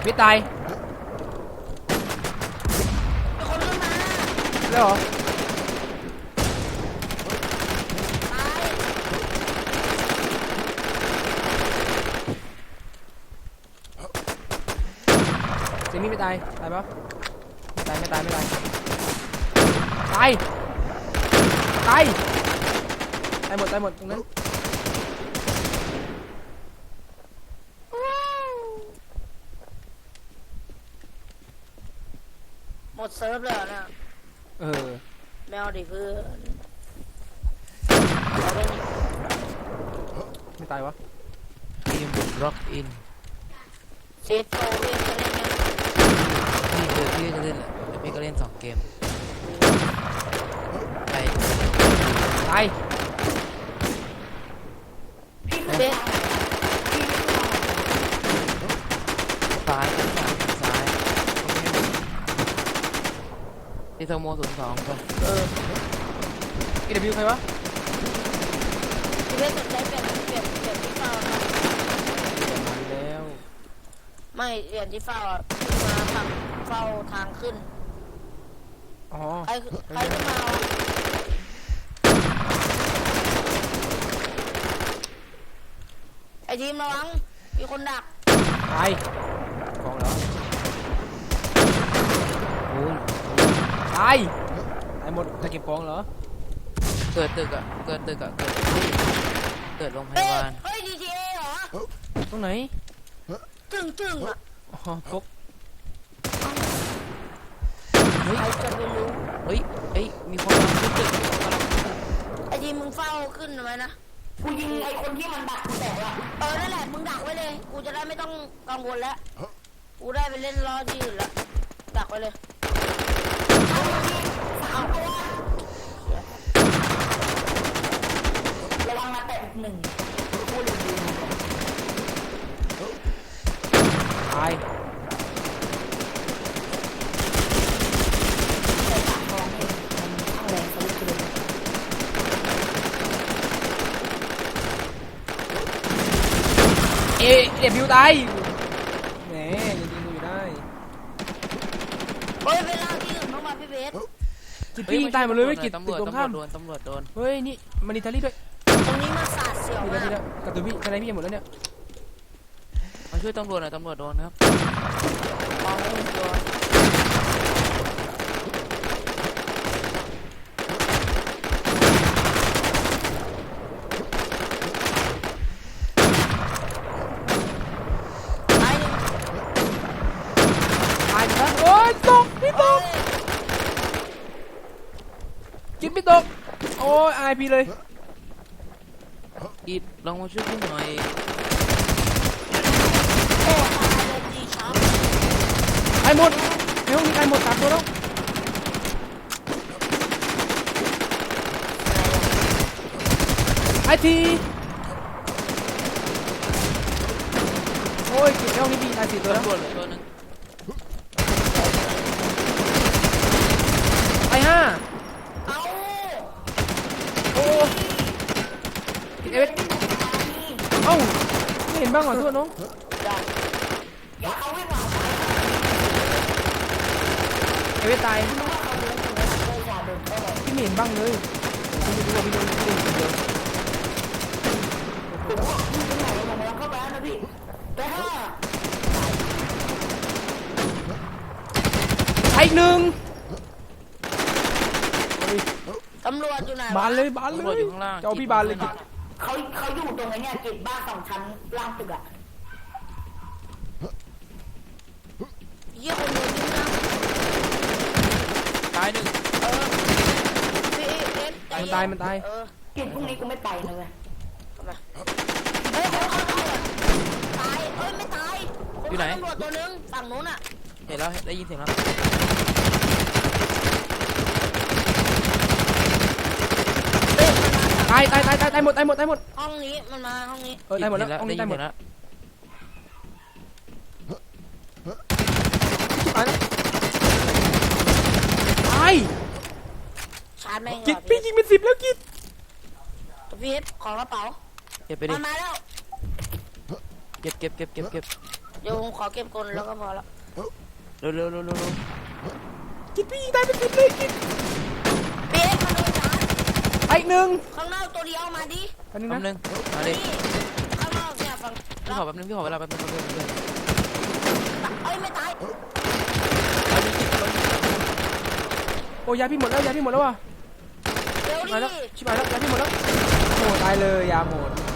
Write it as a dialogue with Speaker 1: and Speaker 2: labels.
Speaker 1: ไม่ตาย
Speaker 2: คนขึ้นมา
Speaker 1: แล้วเหรอ
Speaker 2: ตาย
Speaker 1: เจมี่ไม่ตายตายปะไม่ตายตายตายหมดตรงนั้น
Speaker 2: หมดเซิร์ฟเลยนะแมวดิเพื่อน
Speaker 1: ไม่ตายวะ
Speaker 3: ทีมร็อกอิน
Speaker 2: เซตโตเล่นจะเล่นไง
Speaker 3: พี่จะเล่นพี่ก็เล่น2 เกมไป
Speaker 1: ตาย
Speaker 2: เซต
Speaker 3: ซ้ายที่โทโม02ก่อน
Speaker 1: EW ใครวะ
Speaker 2: พี่เล่นสนใจเปลี่ยนที่เฝ้านะ
Speaker 1: แล้ว
Speaker 2: ไม่เปลี่ยนที่เฝ้าอ่ะมาทำเฝ้าทางขึ้น
Speaker 1: อ๋อ
Speaker 2: ใครขึ้นมาไอทีมระวังมีคนดัก
Speaker 1: ตายกองเหรอโอ้ยตายหมดจะเก็บกองเหรอ
Speaker 3: เกิดตึกอะเกิดโรงพยาบาล
Speaker 2: เฮ้ย GTA เหรอ
Speaker 1: ตรงไหน
Speaker 2: ตึงอ่ะ
Speaker 1: อ๋อพก
Speaker 2: ใครจะไปรู้
Speaker 3: เฮ้ยมีคนมาขึ้นตึก
Speaker 2: ไอทีมึงเฝ้าขึ้นทำไมนะกูยิงไอคนที่มันดักกูแตกละนั่นแหละมึงดักไว้เลยกูจะได้ไม่ต้องกังวลแล้วกูได้ไปเล่นล้อที่อื่นแล้วดักไว้เลยระวังมาแตะอีก1กูเลยดู
Speaker 1: ตายเดบิวตายแหมยังยิงอยู่ได้
Speaker 2: เฮ้ยเวลาที่อื่นต้องมาพี่เบส
Speaker 1: พี่ยิงตายหมดเลยไม่กิด
Speaker 3: ตำรวจโดน
Speaker 1: เฮ้ยนี่มันอิตาลีด้วย
Speaker 2: ตรงนี้มันสาดเสียวมาก
Speaker 1: กระตุ้นพี่อะไรพี่ยังหมดแล้วเนี่ย
Speaker 3: มาช่วยตำรวจหน่อยตำรวจโดนครับ
Speaker 2: มองไม่เห็นตัว
Speaker 1: กินไม่ตกโอ้ยอายพี่เลย
Speaker 3: อีดลองมาช่วยพี่หน่อย
Speaker 1: ไอหมดในห้องนี้ไอหมด3 ตัวแล้วไอทีโอ้ยกินในห้องนี้พี่ตาย4 ตัวแล้ว
Speaker 3: ตัวนึง
Speaker 1: ไอ5โอ้เอฟเอ้าไม่เห็นบ้างเหรอทั่วน้องเอฟตายพี่ไม่เห็นบ้างเลยพี่ไม่รู้ว่าพี่โดนคนเดียวไอ้1
Speaker 2: ตำรวจอยู่ไหน
Speaker 1: บานเลย
Speaker 3: อยู่ข้างล่าง
Speaker 1: เจ้าพี่บานเลย
Speaker 2: เขาอยู่ตรงไหนเนี่ยกิจบ้าน2 ชั้นล่างตึกอะเยี่ยคนเดียวนี่นะ
Speaker 3: ตาย1
Speaker 2: พี่เอ็
Speaker 1: มันตาย
Speaker 2: กิจพรุ่งนี้กูไม่ไปนะเว้ยเฮ้ยตายไม่ตาย
Speaker 3: อยู่ไหน
Speaker 2: ตำรวจตัวนึงฝั่งนู้นอะ
Speaker 3: เห็นแล้วได้ยินเสียงแล้ว
Speaker 1: ตายหมด
Speaker 2: ห้องนี้มันมาห้องนี้
Speaker 1: ตายหมดแล้วห้องนี้ตายหมด
Speaker 3: แล้ว
Speaker 1: ตาย
Speaker 2: ชาร์จแม่ง
Speaker 1: กิดพี่ยิงเป็น10แล้วกิด
Speaker 2: พี่เอฟของกระเป๋า
Speaker 3: เก็บไปดิ
Speaker 2: มาแล้ว
Speaker 3: เก็บ
Speaker 2: เดี๋ยวผมขอเก็บกลแล้วก็พอละ
Speaker 3: เร็วเร็วเร็วเร็ว
Speaker 1: กินพี่ยิงตายเป็นสิบเลยกิน
Speaker 2: เป๊กมาโดนชาร์จ
Speaker 1: ไปอีกหนึ่ง
Speaker 2: ข้างนอกตัวเดียวมาดิ
Speaker 1: อันนึง
Speaker 3: แป๊บนึ
Speaker 1: นะ
Speaker 3: งมาดิ
Speaker 2: นี่ข้างนอกเนี่ยฝั่ง
Speaker 3: พี่ขอแป๊บนึงพี่ขอเวลาแป๊บนึงแป๊บนึง
Speaker 2: เอ้ยไม่ตาย
Speaker 1: โอ้ยาพี่หมดแล้วยาพี่หมดแล้วว่ะ
Speaker 2: เร็ว
Speaker 1: มาแล้ว
Speaker 2: ดิ
Speaker 1: ชิบหายแล้วยาพี่หมดแล้วโอ้ตายเลยยาหมด